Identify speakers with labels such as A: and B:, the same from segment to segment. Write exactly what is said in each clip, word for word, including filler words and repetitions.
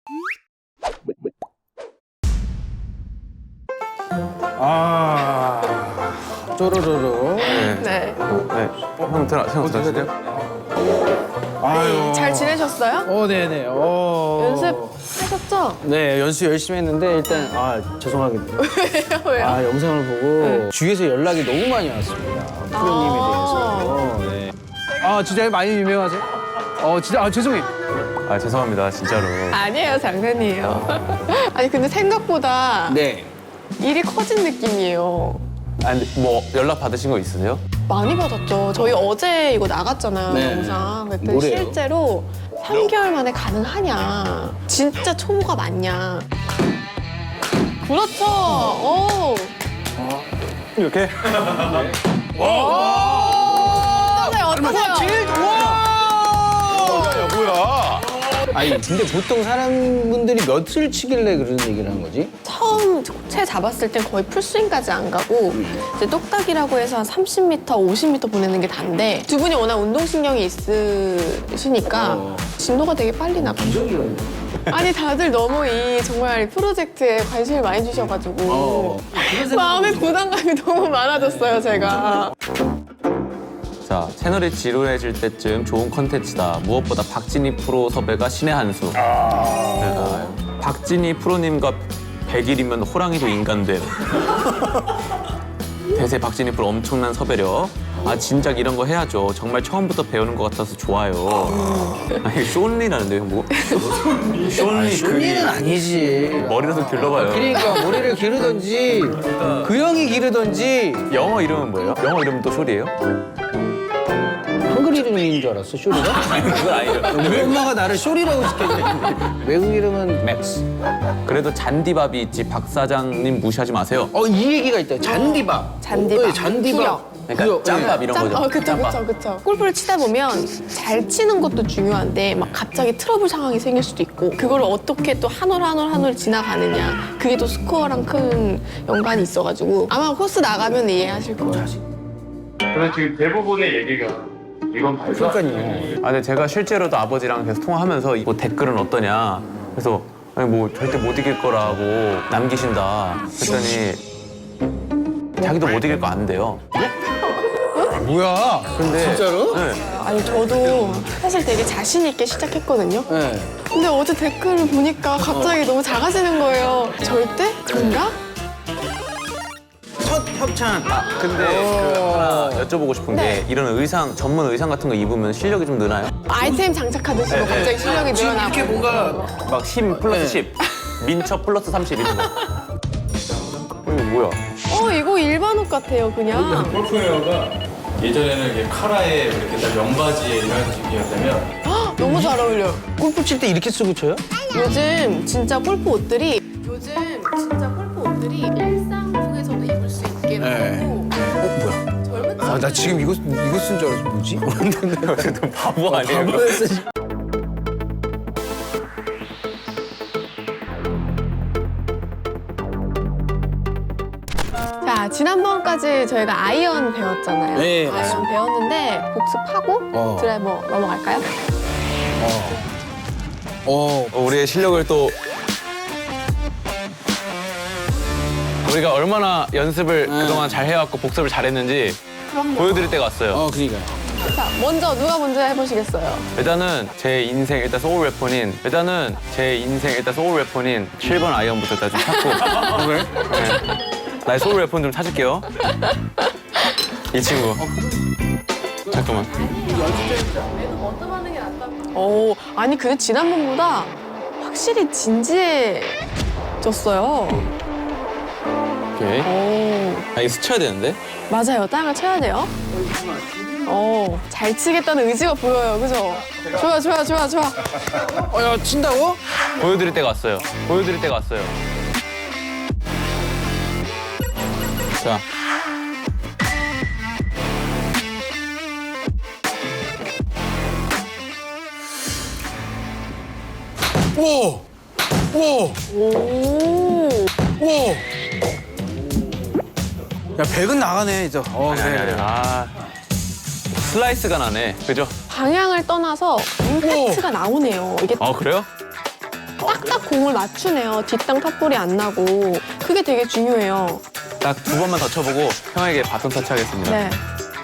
A: 아, 쪼르르르.
B: 네.
C: 네.
B: 네. 형 들어, 형 들어주세요.
A: 아유.
C: 잘 지내셨어요?
A: 어, 네네. 어.
C: 연습하셨죠?
A: 네, 연습 열심히 했는데 일단 아 죄송하게
C: 왜요? 왜요?
A: 아 영상을 보고 주위에서 연락이 너무 많이 왔습니다. 프로님에 대해서. 네. 아 진짜 많이 유명하세요? 어 진짜 아 죄송해요.
B: 아, 죄송합니다, 진짜로.
C: 아니에요, 장난이에요. 아니 근데 생각보다
A: 네.
C: 일이 커진 느낌이에요.
B: 아, 근데 뭐 연락 받으신 거 있으세요?
C: 많이 받았죠. 저희 어제 이거 나갔잖아요,
A: 네.
C: 영상. 그랬더니
A: 뭐래요?
C: 실제로 삼 개월 만에 가능하냐. 진짜 초보가 맞냐. 그렇죠. 오.
B: 이렇게?
C: 어떠세요? 어떠세요?
B: 야, 뭐야?
A: 아니 근데 보통 사람분들이 몇을 치길래 그런 얘기를 한 거지?
C: 처음 채 잡았을 땐 거의 풀스윙까지 안 가고 이제 똑딱이라고 해서 한 삼십 미터, 오십 미터 보내는 게 단데 두 분이 워낙 운동신경이 있으시니까
A: 어.
C: 진도가 되게 빨리 나가죠. 아니 다들 너무 이 정말 프로젝트에 관심을 많이 주셔가지고
A: 어.
C: 마음의 부담감이 너무 많아졌어요, 제가.
B: 자, 채널이 지루해질 때쯤 좋은 컨텐츠다. 무엇보다 박진희 프로 섭외가 신의 한 수. 아... 박진희 프로님과 백 일이면 호랑이도 인간됨. 대세 박진희 프로 엄청난 섭외력. 아, 진작 이런 거 해야죠. 정말 처음부터 배우는 것 같아서 좋아요. 아니, 쇼니라는데요, 뭐? 쇼니
A: 쇼니는 아니지.
B: 머리라도 길러봐요.
A: 그러니까 머리를 기르던지 그 형이 기르던지
B: 영어 이름은 뭐예요? 영어 이름은 또 쇼리예요?
A: 한글 이름인 줄 알았어 쇼리가?
B: 그건 아니죠.
A: 우리 엄마가 나를 쇼리라고 시켰는데 외국 이름은 맥스.
B: 그래도 잔디밥이 있지 박 사장님 무시하지 마세요.
A: 어 이 얘기가 있다. 잔디밥.
C: 잔디밥.
A: 네, 잔디밥.
C: 구력.
B: 그러니까
A: 구력,
B: 짬밥 이런
C: 짬,
B: 거죠.
C: 어, 그쵸,
B: 짬밥.
C: 그쵸, 그쵸. 골프를 치다 보면 잘 치는 것도 중요한데 막 갑자기 트러블 상황이 생길 수도 있고 그걸 어떻게 또 한 올 한 올 한 올 지나가느냐 그게 또 스코어랑 큰 연관이 있어가지고 아마 코스 나가면 이해하실 거예요.
D: 그래서 지금 대부분의 얘기가 이건 말도 안 돼.
A: 그러니까요.
B: 아, 근데 제가 실제로도 아버지랑 계속 통화하면서 뭐 댓글은 어떠냐. 그래서 아니 뭐 절대 못 이길 거라고 남기신다. 그랬더니 자기도 못 이길 거 안돼요.
A: 뭐야?
B: 근데
A: 진짜로?
B: 네.
C: 아니 저도 사실 되게 자신 있게 시작했거든요.
A: 네.
C: 근데 어제 댓글을 보니까 갑자기 너무 작아지는 거예요. 절대? 그런가?
A: 첫 협찬.
B: 근데 그 하나 여쭤보고 싶은 게
C: 네.
B: 이런 의상 전문 의상 같은 거 입으면 실력이 좀 느나요?
C: 아이템 장착하듯이 뭐 갑자기 실력이
A: 지금
C: 늘어나고
A: 이렇게 뭔가
B: 막 십 플러스
A: 네.
B: 십, 민첩 플러스 삼십 이런 거. 이거 뭐야?
C: 어 이거 일반 옷 같아요 그냥.
D: 골프웨어가 예전에는 이렇게 카라에 이렇게 딱 명바지에 이런 식이었다면
C: 헉, 너무 잘 어울려.
A: 골프 칠 때 이렇게 쓰고 쳐요?
C: 요즘 진짜 골프 옷들이 요즘 진짜 골프 옷들이 일상복에서도 입을 수 있게
A: 네.
C: 나오고
A: 어 뭐야?
C: 젊은
A: 아 나 지금 이거 이거 쓴 줄 알았어. 뭐지?
B: 좀 바보 아니에요?
A: 바보였어.
C: 자, 지난번까지 저희가 아이언 배웠잖아요.
A: 네,
C: 아이언
A: 맞습니다.
C: 배웠는데 복습하고
A: 어.
C: 드라이버 넘어갈까요?
A: 어.
B: 우리의 실력을 또 우리가 얼마나 연습을
A: 네.
B: 그동안 잘 해왔고 복습을 잘했는지
C: 그럼요.
B: 보여드릴 때가 왔어요.
A: 어 그러니까.
C: 자, 먼저 누가 먼저 해보시겠어요?
B: 일단은 제 인생 일단 소울 웨폰인 일단은 제 인생 일단 소울 웨폰인 칠 번 아이언부터 일단 좀 찾고
A: 그래?
B: 네. 나의 소울 웨폰 좀 찾을게요. 이 친구. 잠깐만.
C: 오, 아니 근데 지난번보다 확실히 진지해졌어요.
B: 오케이.
C: 오,
B: 아, 이거 스쳐야 되는데?
C: 맞아요. 땅을 쳐야 돼요. 오, 잘 치겠다는 의지가 보여요. 그죠? 좋아, 좋아, 좋아, 좋아.
A: 어야 친다고?
B: 보여드릴 때가 왔어요. 보여드릴 때가 왔어요. 자.
A: 오. 오.
C: 오,
A: 오. 야 백은 나가네 이제. 어
B: 아니, 아니, 아니. 아. 슬라이스가 나네. 그죠?
C: 방향을 떠나서 임팩트가 나오네요. 이게
B: 어, 그래요?
C: 딱딱 공을 맞추네요. 뒷땅 탑볼이 안 나고. 그게 되게 중요해요.
B: 딱 두 번만 더 쳐보고 형에게 바톤 터치하겠습니다.
C: 네.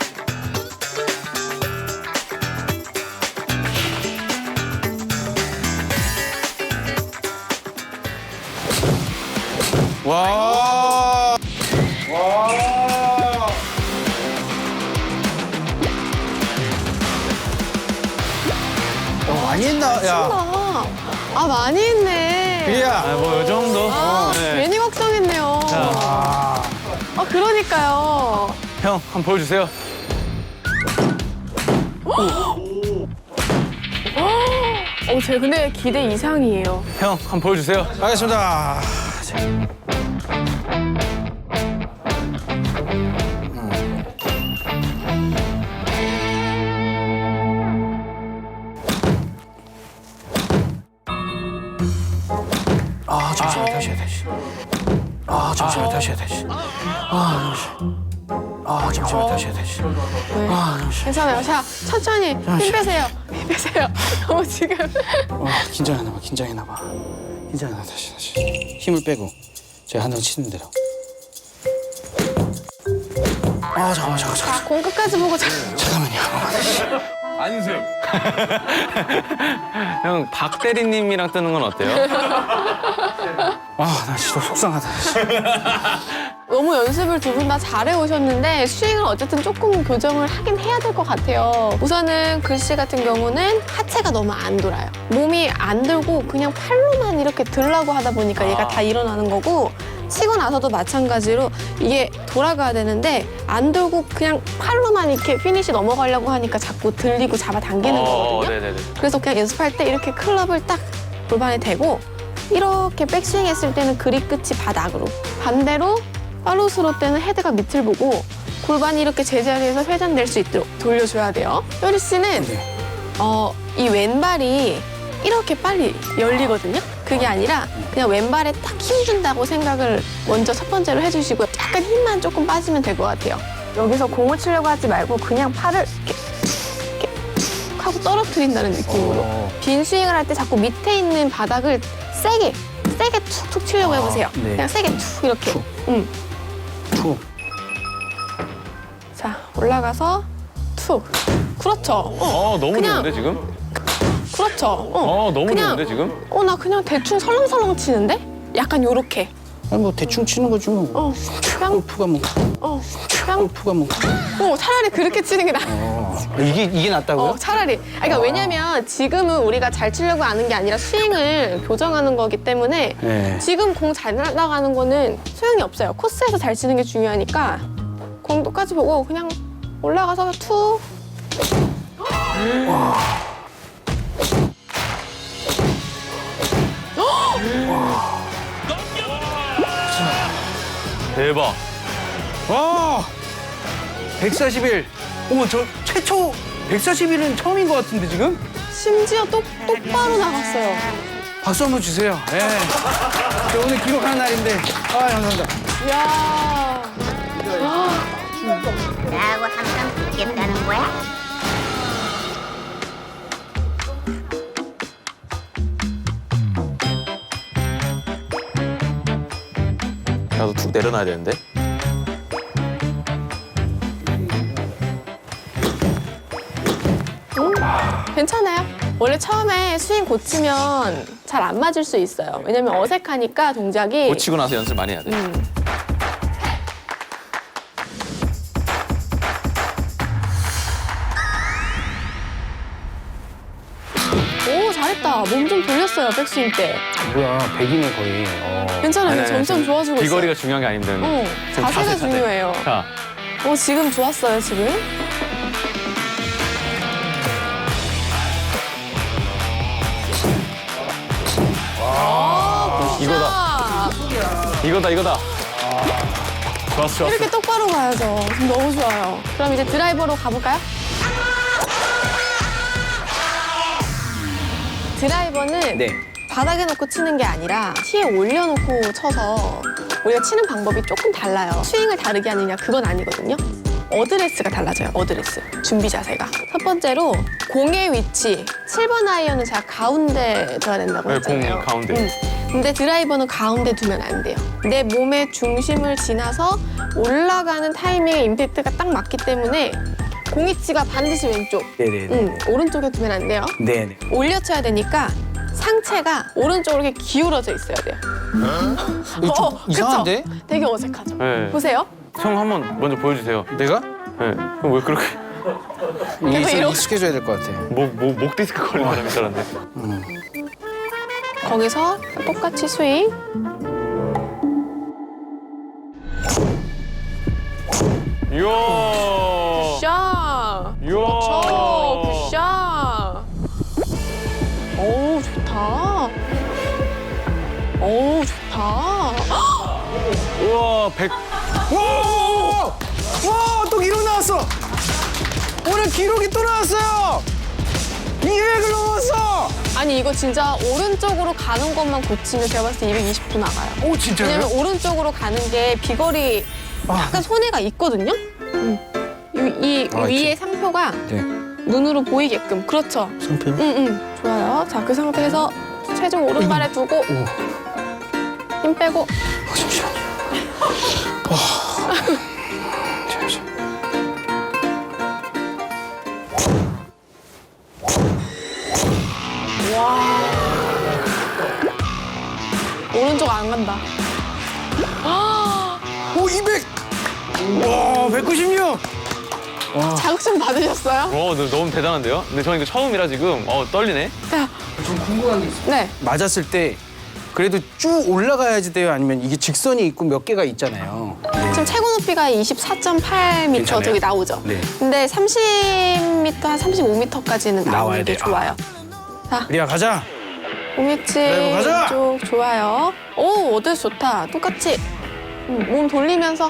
A: 와. 와. 어, 많이 했나? 야.
C: 아, 아 많이 했네.
A: 비리야.
B: 아, 뭐, 이 정도?
C: 아,
B: 네.
C: 괜히 걱정했네요.
A: 아.
C: 아, 그러니까요.
B: 형, 한번 보여주세요.
C: 어, 제 근데 기대 이상이에요.
B: 형, 한번 보여주세요.
A: 알겠습니다. 아, 잠시만, 다시 해, 다시. 아, 잠시만, 다시 해, 다시. 아, 잠시. 아, 잠시만, 다시 해, 다시.
C: 네.
A: 아, 잠시.
C: 괜찮아요. 자, 천천히 힘 빼세요. 힘 빼세요. 너무 지금.
A: 아, 긴장했나 봐, 긴장했나 봐. 긴장했나, 다시, 다시. 힘을 빼고 제가 한 장 치는 대로. 아, 잠깐만, 잠깐만, 잠깐만.
C: 자, 공 끝까지 보고 자.
A: 잠깐만요.
B: 안승. 형, 박 대리님이랑 뜨는 건 어때요?
A: 아, 나 진짜 속상하다.
C: 너무 연습을 두 분 다 잘해 오셨는데 스윙을 어쨌든 조금 교정을 하긴 해야 될 것 같아요. 우선은 글씨 같은 경우는 하체가 너무 안 돌아요. 몸이 안 들고 그냥 팔로만 이렇게 들라고 하다 보니까 얘가 다 일어나는 거고 치고 나서도 마찬가지로 이게 돌아가야 되는데 안 들고 그냥 팔로만 이렇게 피니시 넘어가려고 하니까 자꾸 들리고 잡아당기는
B: 어,
C: 거거든요.
B: 네네네.
C: 그래서 그냥 연습할 때 이렇게 클럽을 딱 골반에 대고 이렇게 백스윙 했을 때는 그립 끝이 바닥으로 반대로 팔로우스로 때는 헤드가 밑을 보고 골반이 이렇게 제자리에서 회전될 수 있도록 돌려줘야 돼요. 효리 씨는
A: 네.
C: 어, 이 왼발이 이렇게 빨리 열리거든요. 그게 아니라 그냥 왼발에 딱 힘 준다고 생각을 먼저 첫 번째로 해주시고 약간 힘만 조금 빠지면 될 것 같아요. 여기서 공을 치려고 하지 말고 그냥 팔을 이렇게 이렇게 툭 하고 떨어뜨린다는 느낌으로
A: 어.
C: 빈 스윙을 할 때 자꾸 밑에 있는 바닥을 세게 세게 툭툭 치려고 해보세요.
A: 네.
C: 그냥 세게 툭 이렇게.
A: 툭.
C: 응.
A: 툭.
C: 자 올라가서 툭. 그렇죠. 어,
B: 어, 너무
C: 그냥-
B: 좋은데, 지금?
C: 그렇죠. 어,
B: 어, 너무
C: 그냥,
B: 좋은데, 지금?
C: 어, 나 그냥 대충 설렁설렁 치는데? 약간 요렇게.
A: 아니, 뭐 대충 치는 거지 뭐.
C: 어, 그냥,
A: 골프가 뭐.
C: 어, 그냥,
A: 골프가 뭐.
C: 어, 차라리 그렇게 치는 게 나아.
A: 어. 이게 이게 낫다고요?
C: 어, 차라리. 아니, 그러니까 왜냐면 지금은 우리가 잘 치려고 하는 게 아니라 스윙을 교정하는 거기 때문에
A: 네.
C: 지금 공 잘 날아가는 거는 소용이 없어요. 코스에서 잘 치는 게 중요하니까 공 똑같이 보고 그냥 올라가서 툭.
B: 대박.
A: 와! 백사십일. 어머, 저 최초 백사십일은 처음인 것 같은데 지금?
C: 심지어 똑, 똑바로 나갔어요.
A: 박수 한번 주세요. 예. 저 오늘 기록하는 날인데. 아, 감사합니다.
C: 이야.
E: 나하고 항상 붙겠다는 거야?
B: 나도 툭 내려놔야 되는데.
C: 괜찮아요. 원래 처음에 스윙 고치면 잘 안 맞을 수 있어요. 왜냐면 어색하니까 동작이.
B: 고치고 나서 연습 많이 해야 돼.
C: 음. 오, 잘했다. 몸 좀 돌렸어요, 백스윙 때.
A: 뭐야, 백이네 거의. 어.
C: 괜찮아요.
B: 아니, 아니,
C: 점점
B: 지금
C: 좋아지고 있어요.
B: 비거리가 중요한 게 아닌데.
C: 어,
B: 지금
C: 자세가
B: 자세, 자세.
C: 중요해요.
B: 자,
C: 오, 지금 좋았어요, 지금.
B: 이거다. 이거다, 이거다. 좋았어, 좋았어.
C: 이렇게 똑바로 가야죠. 지금 너무 좋아요. 그럼 이제 드라이버로 가볼까요? 드라이버는
A: 네.
C: 바닥에 놓고 치는 게 아니라 티에 올려놓고 쳐서 우리가 치는 방법이 조금 달라요. 스윙을 다르게 하느냐 그건 아니거든요. 어드레스가 달라져요. 어드레스. 준비 자세가. 첫 번째로 공의 위치. 칠 번 아이언은 제가 가운데 둬야 된다고
B: 네,
C: 했잖아요.
B: 공 가운데.
C: 음. 근데 드라이버는 가운데 두면 안 돼요. 내 몸의 중심을 지나서 올라가는 타이밍에 임팩트가 딱 맞기 때문에 공 위치가 반드시 왼쪽.
A: 네네네.
C: 음, 오른쪽에 두면 안 돼요.
A: 네네.
C: 올려쳐야 되니까 상체가 오른쪽으로 이렇게 기울어져 있어야 돼요.
A: 이거 좀
C: 어,
A: 이상한데?
C: 그쵸? 되게 어색하죠?
B: 네.
C: 보세요.
B: 형 한번 먼저 보여주세요.
A: 내가?
B: 네. 그럼 왜 그렇게
A: 이게 좀
C: 이러고-
A: 익숙해져야 될 것 같아.
B: 목, 목, 목 디스크 걸린 사람인 줄 알았네.
C: 거기서 똑같이 스윙.
B: 이야.
C: 샷!
B: 이야.
C: 그렇죠. 굿샷! 어우, 좋다. 어우, 좋다.
B: 우와, 백.
A: 와! 와! 또 기록 나왔어! 오늘 기록이 또 나왔어요! 이백을 넘었어!
C: 아니, 이거 진짜 오른쪽으로 가는 것만 고치면 제가 봤을 때 이백이십 도 나가요.
A: 오, 진짜요?
C: 왜냐면 오른쪽으로 가는 게 비거리 약간 손해가 있거든요? 음. 이, 이
A: 아,
C: 위에
A: 이렇게.
C: 상표가
A: 네.
C: 눈으로 보이게끔. 그렇죠.
A: 상표?
C: 응, 응. 좋아요. 자, 그 상태에서 체중 오른발에 두고
A: 오.
C: 힘 빼고
A: 아, 잠시만요. 와. 잠시만.
C: 오른쪽 안 간다.
A: 오, 이백! 와, 백구십육!
C: 자극좀 받으셨어요?
B: 와, 너, 너무 대단한데요? 근데 저는 이거 처음이라 지금 어, 떨리네.
C: 자,
A: 좀 궁금한 게 있어요.
C: 네.
A: 맞았을 때 그래도 쭉 올라가야지 돼요? 아니면 이게 직선이 있고 몇 개가 있잖아요. 네.
C: 지금 최고 높이가 이십사 점 팔 미터
A: 괜찮아요?
C: 저기 나오죠?
A: 네.
C: 근데 삼십 미터, 한 삼십오 미터까지는
A: 나와야
C: 나오는 게
A: 돼요.
C: 좋아요. 자,
A: 리아, 가자!
C: 오미치
A: 드라이브 가자!
C: 왼쪽 좋아요. 오, 어드레스 좋다. 똑같이 음, 몸 돌리면서.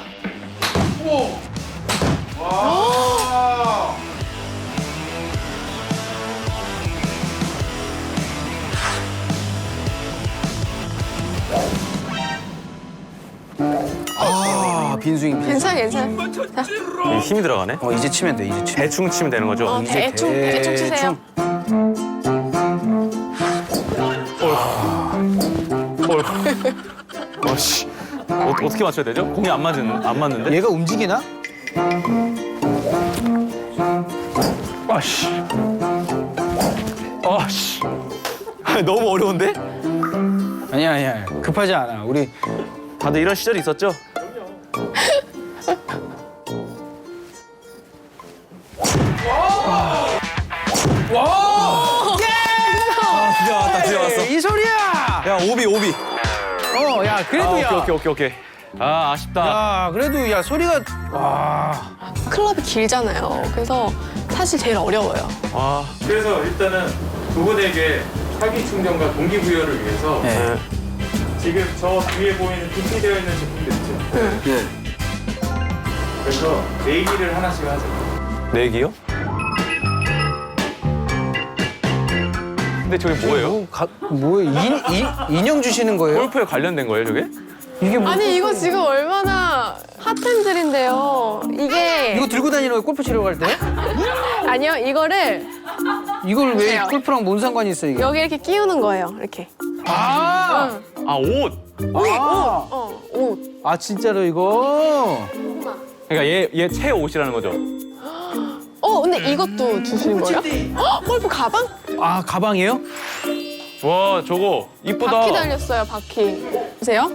A: 아, 빈스윙, 빈스윙.
C: 괜찮아, 괜찮아. 자,
B: 이 힘이 들어가네.
A: 어, 이제 치면 돼, 이제 치면
B: 대충 치면 되는 거죠?
C: 어, 대충, 대충 치세요.
B: 어씨. 어, 어떻게 맞춰야 되죠? 공이 안 맞은 안 맞는데?
A: 얘가 움직이나?
B: 아씨. 아씨. 너무 어려운데?
A: 아니야, 아니야. 급하지 않아. 우리
B: 다들 이런 시절이 있었죠? 드디어 왔다, 드디어 왔어.
A: 이 소리야!
B: 야, 오비, 오비.
A: 어, 야, 그래도
B: 아,
A: 야.
B: 오케이, 오케이, 오케이, 오케이. 아, 아쉽다.
A: 야, 그래도 야, 소리가 와.
C: 클럽이 길잖아요. 그래서 사실 제일 어려워요.
B: 와.
D: 그래서 일단은 두 분에게 사기 충전과 동기부여를 위해서
A: 네.
D: 지금 저 뒤에 보이는 비치되어 있는 제품들 있죠?
A: 네.
D: 그래서 내기를 하나씩 하죠.
B: 내기요? 근데 저게 뭐예요?
A: 뭐, 가, 뭐예요? 인, 인, 인형 주시는 거예요?
B: 골프에 관련된 거예요, 저게?
A: 이게 뭐?
C: 아니, 이거 지금 얼마나 핫핸들인데요. 이게
A: 이거 들고 다니는 거예요? 골프 치러 갈 때?
C: 아니요, 이거를
A: 이걸 왜
C: 보세요.
A: 골프랑 뭔 상관이 있어 이게?
C: 여기 이렇게 끼우는 거예요. 이렇게.
A: 아,
B: 아, 옷.
A: 아,
C: 어, 옷.
A: 아 진짜로 이거?
B: 그러니까 얘 얘 새 옷이라는 거죠.
C: 어, 근데 이것도 주시는 거예요? 헉, 골프 가방?
A: 아 가방이에요?
B: 와, 저거 이쁘다.
C: 바퀴 달렸어요, 바퀴. 보세요.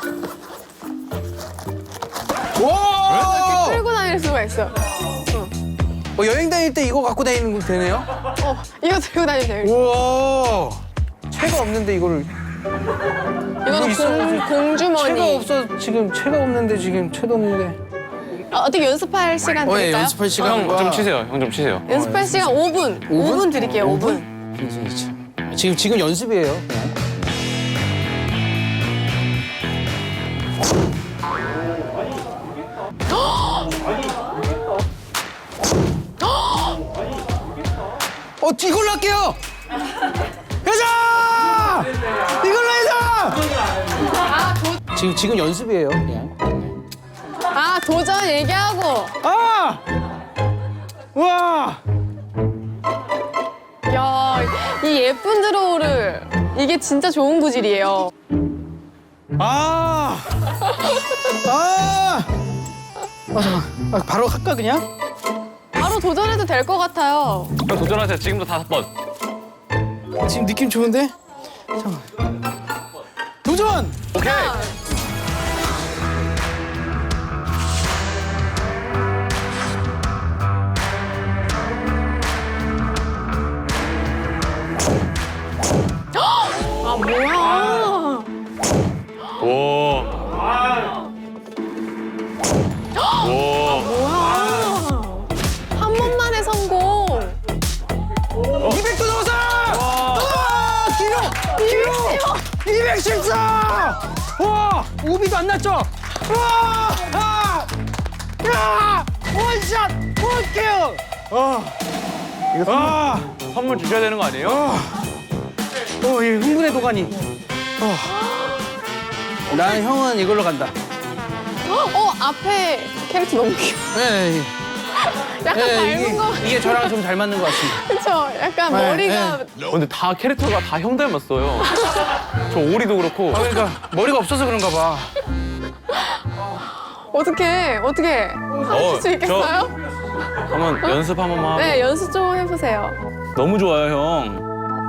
A: 와!
C: 끌고 다닐 수가 있어요.
A: 어, 여행 다닐 때 이거 갖고 다니는 거 되네요?
C: 어, 이거 들고 다니면 돼요.
A: 우와! 채가 없는데 이거를
C: 이거는
A: 있어야지.
C: 공,
A: 채가
C: 공주머니.
A: 없어 지금 채가 없는데 지금 채도 없는데.
C: 어, 어떻게 연습할 시간
A: 어, 예,
C: 드릴까요?
A: 연습할 시간.
B: 형 좀 치세요. 형 좀 치세요.
C: 연습할 시간 오 분. 오 분 드릴게요, 오 분.
A: 지금 지금 연습이에요. 그냥. 어, 이걸로 할게요. 가자! 이걸로 해서. 지금 지금 연습이에요. 그냥.
C: 아, 아, 도전 얘기하고.
A: 아! 와!
C: 야, 이 예쁜 드로우를. 이게 진짜 좋은 구질이에요.
A: 아! 아! 아, 잠깐. 아, 바로 할까, 그냥?
C: 바로 도전해도 될 것 같아요.
B: 그럼 도전하세요. 지금도 다섯 번.
A: 지금 느낌 좋은데? 잠깐. 도전!
B: 오케이.
C: 아, 뭐야.
B: 오. 오.
C: 뭐야. 한 번만에 성공.
A: 이백 도 넘었어! 와! 기록! 기록! 이백십사! 와! 오비도 안 났죠? 와! 아! 야! 원샷! 원킬! 아! 이거 아!
B: 선물 주셔야 되는 거 아니에요?
A: 어, 이 흥분의 도가니. 어. 난 형은 이걸로 간다.
C: 어, 앞에 캐릭터 너무 귀여워.
A: 네,
C: 약간
A: 네,
C: 닮은
A: 이게,
C: 거.
A: 이게 저랑 좀 잘 맞는 것 같습니다.
C: 그쵸? 약간
A: 네,
C: 머리가.
B: 어, 근데 다 캐릭터가 다 형 닮았어요. 저 오리도 그렇고.
A: 아, 그러니까 머리가 없어서 그런가 봐.
C: 어떻게, 어떻게 하실 수 있겠어요?
B: 한번 연습 한 번만 하고.
C: 네, 연습 좀 해보세요.
B: 너무 좋아요, 형.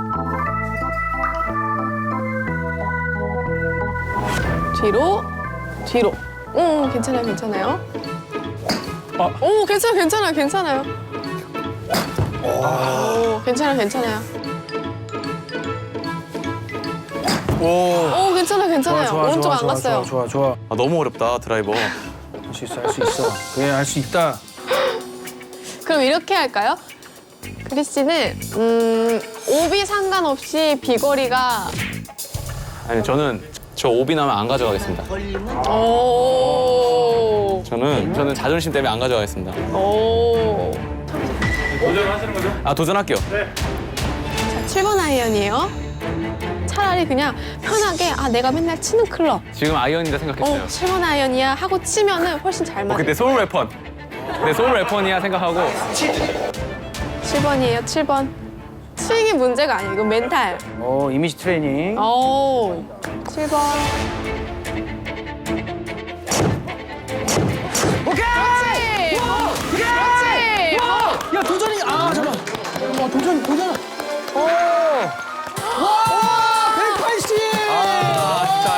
C: 뒤로, 뒤로. 오, 괜찮아요, 괜찮아요. 오, 괜찮아요, 괜찮아요, 괜찮아요. 오, 괜찮아요, 괜찮아요.
A: 오.
C: 오, 괜찮아요, 괜찮아요.
A: 좋아, 좋아,
C: 오른쪽
A: 좋아,
C: 안
A: 좋아,
C: 갔어요.
A: 좋아, 좋아, 좋아.
B: 아, 너무 어렵다, 드라이버.
A: 할 수 있어, 할 수 있어. 그래, 할 수 있다.
C: 그럼 이렇게 할까요? 크리스 씨는 음, 오비 상관없이 비거리가
B: 아니, 저는 저 오비 나면 안 가져가겠습니다.
C: 오,
B: 저는 저는 자존심 때문에 안 가져가겠습니다.
C: 오.
D: 도전하시는 거죠?
B: 아, 도전할게요.
C: 자, 칠 번 아이언이에요. 차라리 그냥 편하게 아 내가 맨날 치는 클럽.
B: 지금 아이언이다 생각했어요.
C: 어, 칠 번 아이언이야 하고 치면은 훨씬 잘
B: 어,
C: 맞아요.
B: 그때 소울 웨펀. 내 소울 웨펀이야 생각하고.
C: 칠 번이에요, 칠 번. 스윙이 문제가 아니에요. 이건 멘탈.
A: 오, 이미지 트레이닝.
C: 오, 칠 번.
A: 오케이!
C: 그렇지! 그렇지! 어.
A: 야, 도전이, 아, 잠깐. 와, 도전, 도전. 오! 와! 백팔십!
B: 아, 진짜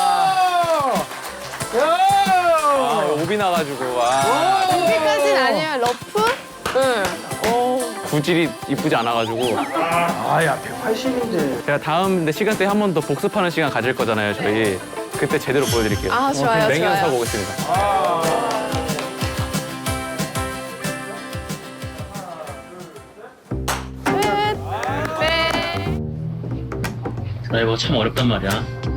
B: 아쉽다.
A: 야!
B: 아, 오비 나가지고. 아,
C: 여기까지는 아니에요. 러프? 응. 오.
B: 구질이 이쁘지 않아가지고.
A: 아, 야, 백팔십인데.
B: 제가 다음 시간 때 한 번 더 복습하는 시간 가질 거잖아요, 저희. 그때 제대로 보여드릴게요.
C: 아, 좋아요,
B: 맹연습하고
C: 좋아요.
B: 오겠습니다.
C: 끝. 네.
F: 드라이버가 참 어렵단 말이야.